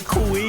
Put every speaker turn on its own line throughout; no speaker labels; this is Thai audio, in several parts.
คุย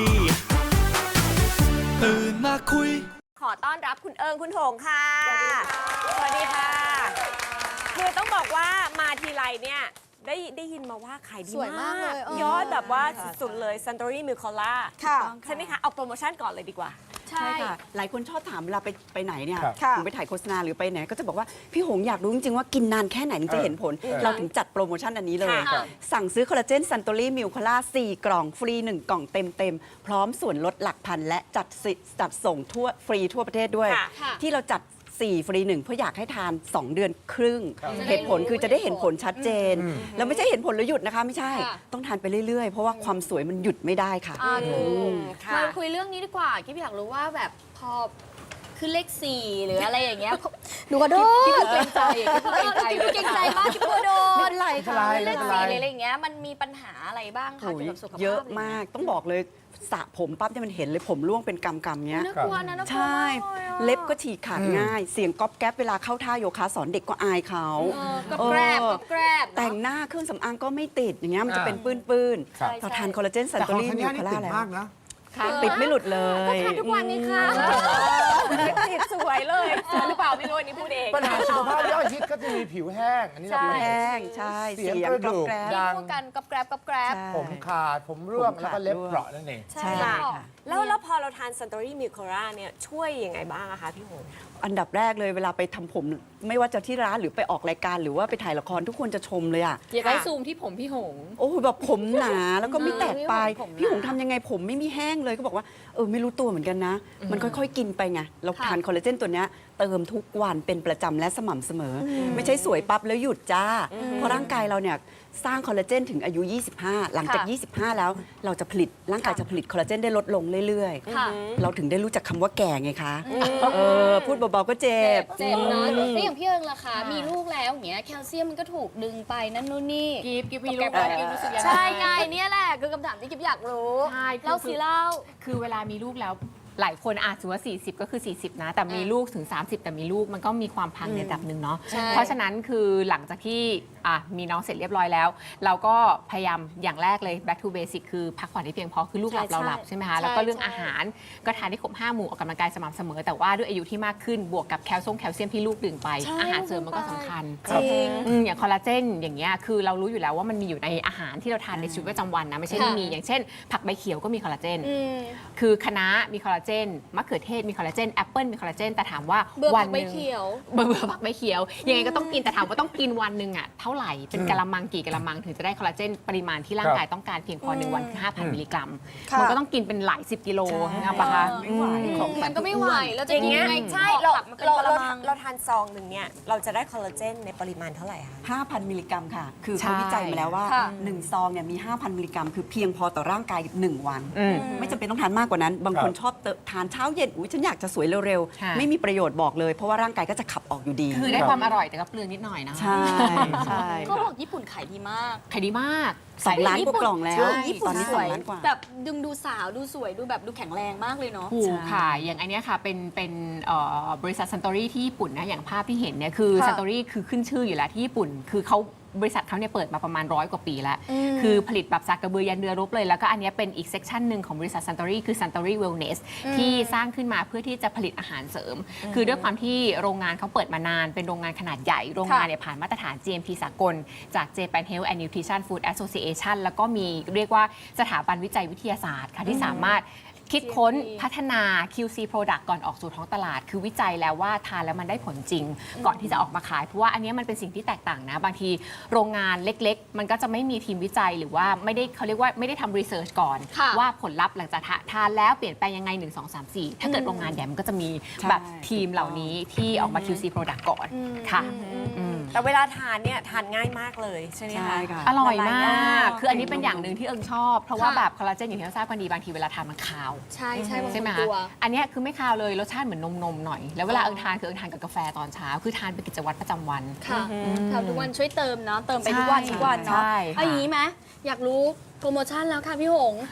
ตื่นมาคุย
ขอต้อนรับคุณเอิงคุณหงค่ะสวัสดีค่ะคือต้องบอกว่ามาทีไรเนี่ยได้ยินมาว่าขายดีมากเลยยอดแบบว่าสุดๆเลย Suntory Milk-Cola ใช่ไหมคะเอาโปรโมชั่นก่อนเลยดีกว่า
ใช่ค่ะหลายคนชอบถามเวลาไปไหนเนี่ยถึงไปถ่ายโฆษณาหรือไปไหนก็จะบอกว่าพี่หงอยากรู้จริงๆว่ากินนานแค่ไหนถึงจะเห็นผลเราถึงจัดโปรโมชั่นอันนี้เลยสั่งซื้อคอลลาเจนซันโตรี่มิลคอล่า4 กล่องฟรี 1 กล่องเต็มพร้อมส่วนลดหลักพันและจัดส่งทั่วฟรีทั่วประเทศด้วยที่เราจัด4 ฟรี 1เพราะอยากให้ทาน 2 เดือนครึ่งเหตุผลคือจะได้เห็นผลชัดเจนแล้วไม่ใช่เห็นผลแล้วหยุดนะคะไม่ใช่ต้องทานไปเรื่อยๆเพราะว่าความสวยมันหยุดไม่ได้ค่ะ
มาคุยเรื่องนี้ดีกว่ากิ๊บอยากรู้ว่าแบบพอคือเลข4หรืออะไรอย่างเงี้ยหนูก็โดนกิ๊บเกรงใจกิ๊บเกรงใจมากกิ๊บก็โดนไม่เป็นไรค่ะเลข4อะไรอย่างเงี้ยมันมีปัญหาอะไรบ้างคะเกี่ยวกับสุขภาพ
เยอะมากต้องบอกเลยสระผมปั๊บจะมันเห็นเลยผมร่วงเป็นกำๆเนี้ย
น่ากลัวนะน่ากลัว
ใช่เล็บก็ฉีกขาดง่ายเสียงก๊อบแก๊บเวลาเข้าท่าโยคะสอนเด็กก็อายเขา
ก็แกรบ
แต่งหน้าเครื่องสำอางก็ไม่ติดอย่างเงี้ยมันจะเป็นปื้นๆพอทานคอลลาเจนซันโตรี่มิลคอล่าแล้วติดไม่หลุดเลย
ทานทุกวันนี้ค่ะ
ติดสวยเลยสวยหรือเปล่าไม่รู้อันนี้พูดเอง
ปัญหาสุขภาพย่อยชิดก็จะมีผิวแห้งอันนี้เราเป็น
แห้งใช่
เสียงกระดูกดัง
กันกับแกรบ
ผมขาดผมร่วงแล้วก็เล็บเปราะนั่นเอง
ใช่ค่ะแล้วพอเราทาน Suntory Milk-Cola เนี่ยช่วยยังไงบ้างคะพี่หง
อันดับแรกเลยเวลาไปทำผมไม่ว่าจะที่ร้านหรือไปออกรายการหรือว่าไปถ่ายละครทุกคนจะชมเลยอ่ะ
อยากให้ซูมที่ผมพี่หง
โอ้โหแบบผมหนาแล้วก็ไม่แตกปลายพี่หงทำยังไงผมไม่มีแห้งเลยก็บอกว่าไม่รู้ตัวเหมือนกันนะมันค่อยๆกินไปไงเราทานคอลลาเจนตัวเนี้ยเติมทุกวันเป็นประจำและสม่ำเสมอไม่ใช่สวยปั๊บแล้วหยุดจ้าเพราะร่างกายเราเนี่ยสร้างคอลลาเจนถึงอายุ 25 หลังจาก 25 แล้วเราจะผลิตร่างกายจะผลิตคอลลาเจนได้ลดลงเรื่อยๆเราถึงได้รู้จักคำว่าแก่ไงคะพูดเบาๆก็เจ็บ
นะแล้วอย่างพี่เอิงล่ะคะมีลูกแล้วอย่างเงี้ยแคลเซียมมันก็ถูกดึงไปนั่นนู่นนี่
กิ๊บมีลูกแล้วกิ๊บรู้สึกยังไง
ใช่ไงเนี่ยแหละคือคำถามที่กิ๊บอยากรู้
ใช่
เล่าสิเล่า
คือเวลามีลูกแล้วหลายคนอาจจะว่า40ก็คือ40นะแต่มีลูกถึง30แต่มีลูกมันก็มีความพังในระดับหนึ่งเนาะเพราะฉะนั้นคือหลังจากที่มีน้องเสร็จเรียบร้อยแล้วเราก็พยายามอย่างแรกเลย back to basic คือพักผ่อนให้เพียงพอคือลูกหลับเราหลับใช่ไหมคะแล้วก็เรื่องอาหารก็ทานได้ครบ5 หมู่ออกกำลังกายสม่ำเสมอแต่ว่าด้วยอายุที่มากขึ้นบวกกับแคลเซียมที่ลูกดื่มไปอาหารเสริมมันก็สำคัญอย่างคอลลาเจนอย่างเงี้ยคือเรารู้อยู่แล้วว่ามันมีอยู่ในอาหารที่เราทานในชีวิตประจำวันนะไม่ใช่ไม่มีอย่างเช่นผักใบเขียวก็มีคอลลาเจนคือคะน้ามีคอลลาเจนมะเขือเทศมีคอลลาเจนแอปเปิลมีคอลลาเจนแต่ถามว่าวันนึงเบื่อผักใบเขียวยังไงก็ต้องกินแต่ถามว่าต้องกินวันหนึ่งอ่ะเท่าไหร่เป็นกะละมังกี่กะละมังถึงจะได้คอลลาเจนปริมาณที่ร่างกายต้องการเพียงพอ1 วันคือ 5,000 มิลลิกรัมมันก็ต้องกินเป็นหลาย10 กิโลนะปะคะ
มันก็ไม่ไหวแล้วจะกินยังไง
ใช่เราทานซองหนึ่งเนี่ยเราจะได้คอลลาเจนในปริมาณเท่าไหร่คะ
5,000 มิลลิกรัมค่ะคือเขาวิจัยมาแล้วว่า1 ซองเนี่ยมี 5,000 มิลลิกรัมคือเพียงพอต่อร่างกาย1 วันไม่จำเป็นต้องทานมากกว่านั้นบางคนชอบทานเช้าเย็นฉันอยากจะสวยเร็วๆไม่มีประโยชน์บอกเลยเพราะว่าร่างกายก็จะขับออกอยู่ดี
คือได้ความอร่อยแต่ก็เปลืองนิดหน่อยนะ
ใช่
เขาบอกญี่ปุ่นขายดีมาก
ขายดีมาก
2 ล้านกว่ากล่องแล้ว
ตอนนี้2 ล้านกว่าแบบดูสาวดูสวยดูแบบดูแข็งแรงมากเลยเนาะ
ถูกค่ะอย่างอันนี้ค่ะเป็นบริษัทซันโตรี่ที่ญี่ปุ่นนะอย่างภาพที่เห็นเนี่ยคือซันโตรี่คือขึ้นชื่ออยู่แล้วที่ญี่ปุ่นคือเขาบริษัทเขาเนี่ยเปิดมาประมาณ100 กว่าปีแล้วคือผลิตแบบสักกระเบือยันเรือรบเลยแล้วก็อันนี้เป็นอีกเซกชันหนึ่งของบริษัทซันโตรี่คือซันโตรี่เวลเนสที่สร้างขึ้นมาเพื่อที่จะผลิตอาหารเสริมคือด้วยความที่โรงงานเขาเปิดมานานเป็นโรงงานขนาดใหญ่โรงงานเนี่ยผ่านมาตรฐาน GMP สากลจาก Japan Health and Nutrition Food Association แล้วก็มีเรียกว่าสถาบันวิจัยวิทยาศาสตร์ค่ะที่สามารถคิดค้นพัฒนา QC Product ก่อนออกสู่ท้องตลาดคือวิจัยแล้วว่าทานแล้วมันได้ผลจริงก่อนที่จะออกมาขายเพราะว่าอันนี้มันเป็นสิ่งที่แตกต่างนะบางทีโรงงานเล็กๆมันก็จะไม่มีทีมวิจัยหรือว่าไม่ได้เขาเรียกว่าไม่ได้ทำรีเสิร์ชก่อนว่าผลลัพธ์หลังจากทานแล้วเปลี่ยนแปลงยังไง1 2 3 4ถ้าเกิดโรงงานใหญ่มันก็จะมีแบบทีมเหล่านี้ที่ออกมา QC Product ก่อนค่ะ
แต่เวลาทานเนี่ยทานง่ายมากเลยใช่ไหมคะ
อร่อยมากคืออันนี้เป็นอย่างหนึ่งที่เอิงชอบเพราะว่าแบบคอลลาเจนอย่างที่เราทราบกันดีบางทีเวลาทานมันคาว
ใช่
ไหมคะอันนี้คือไม่คาวเลยรสชาติเหมือนนมหน่อยแล้วเวลาเอิงทานคือเอิงทานกับกาแฟตอนเช้าคือทานเป็นกิจวัตรประจำวัน
ค่ะทำทุกวันช่วยเติมเนาะเติมไปทุกวันเนาะอย่างนี้ไหมอยากรู้โปรโมชั่นแล้วค่ะพี่หง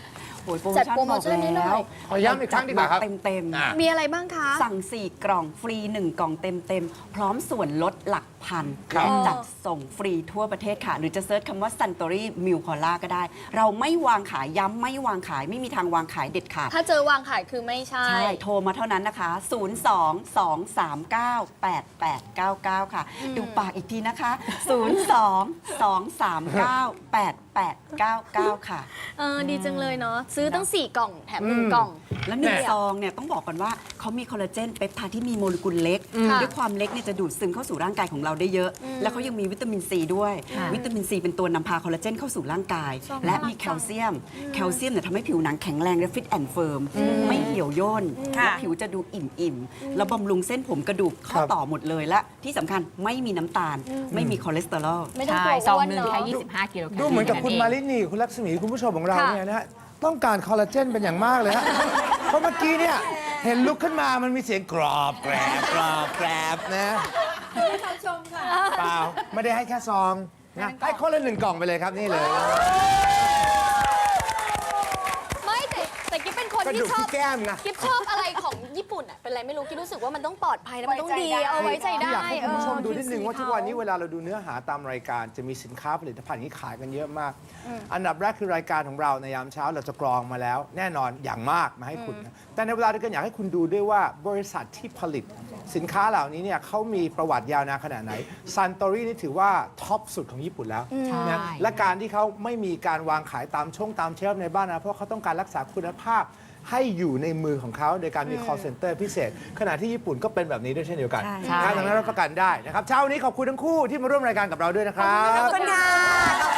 อ้ยโปรโม
จัด
ชั่น
โปรโมชั่นนี้หน่อย
ขอย้ำอีกครั้งดีกว่าครับ
เต็ม
อ่ะ
มีอะไรบ้างคะ
สั่ง 4 กล่องฟรี 1 กล่องเต็มๆ พร้อมส่วนลดหลักพัน
ครับ
และจัดส่งฟรีทั่วประเทศค่ะ หรือจะเซิร์ชคำว่า Suntory Milk Cola ก็ได้ เราไม่วางขายย้ำไม่วางขายไม่มีทางวางขายเด็ดขาด
ถ้าเจอวางขายคือไม่ใช่
ใช่ โทรมาเท่านั้นนะคะ 02-239-8899 ค่ะ ดูปากอีกทีนะคะ 02-239-8899 ค่ะ
ดีจังเลยเนาะซื้อตั้ง 4 กล่องแถม1 กล่อง
แล้วหนึ่งซองเนี่ยต้องบอกก่อนว่าเขามีคอลลาเจนเปปไทด์ที่มีโมเลกุลเล็ก
ค่ะ
ด้วยความเล็กเนี่ยจะดูดซึมเข้าสู่ร่างกายของเราได้เยอะ แล้วเขายังมีวิตามินซีด้วย
ค่ะ
วิตามินซีเป็นตัวนำพาคอลลาเจนเข้าสู่ร่างกาย และมีแคลเซียม แคลเซียมเนี่ยทำให้ผิวหนังแข็งแรงและฟิตแอนด์เฟิร์มไม่เหี่ยวย่น
ค่ะ
และผิวจะดูอิ่มๆแล้วบำรุงเส้นผมกระดูกข้อต่อหมดเลยและที่สำคัญไม่มีน้ำตาล ไม่มีคอเลสเตอรอล
ไม่ต้อง
ใช่
กลัว
ซอง
อ้วน
หนึ่ง
เนาะ
แค่25 กิโลแคลอรี่
ดูเหมือนกับคุณมา
เท่
ลินีคุณลักษมีคุณผู้ชมของเรา
ค่ะ
เนี่ยนะฮะต้องการคอลลาเจนเป็นอย่างมากเลยฮะ เพราะเมื่อกี้เนี่ยเห็นลุกขึ้นมามันมีเสียงกรอบแกรบกรอบแกรบนะเปล่าไม่ได้ให้แค่ซองนะให้คนละ1 กล่องไปเลยครับนี่เลย
ไม่แต่กิ๊บเป็นคน
กระ
ที่
ดูก
ชอบ
ที่แก้มไง
กิ๊บชอบอะไรของญี่ปุ่นอ่ะเป็นอะไรไม่รู้กิ๊บรู้สึกว่ามันต้องปลอดภัยแล้วมันต้องดีเอาไว้ใจได้
อยากให้คุณผู้ชม
เออ
ดูนิดนึงว่าทุกวันนี้เวลาเราดูเนื้อหาตามรายการจะมีสินค้าผลิตภัณฑ์ที่ขายกันเยอะมาก อันดับแรกคือรายการของเราในยามเช้าเราจะกรองมาแล้ว แน่นอนอย่างมากมาให้คุณนะแต่ในเวลาเดียวกันอยากให้คุณดูด้วยว่าบริษัทที่ผลิตสินค้าเหล่านี้เนี่ยเขามีประวัติยาวนานขนาดไหนซันโตรี่นี่ถือว่าท็อปสุดของญี่ปุ่นแล้ว
ใช่
นะและการที่เขาไม่มีการวางขายตามตามเชลฟ์ในบ้านนะเพราะเขาต้องการรักษาคุณภาพให้อยู่ในมือของเขาโดยการมี call center พิเศษ ขณะที่ญี่ปุ่นก็เป็นแบบนี้ด้วยเช่นเดียวกัน
ใช่
ดังนั้นรับประกันได้นะครับเช้านี้ขอบคุณทั้งคู่ที่มาร่วมรายการกับเราด้วยนะครับ
ขอบคุณค่ะ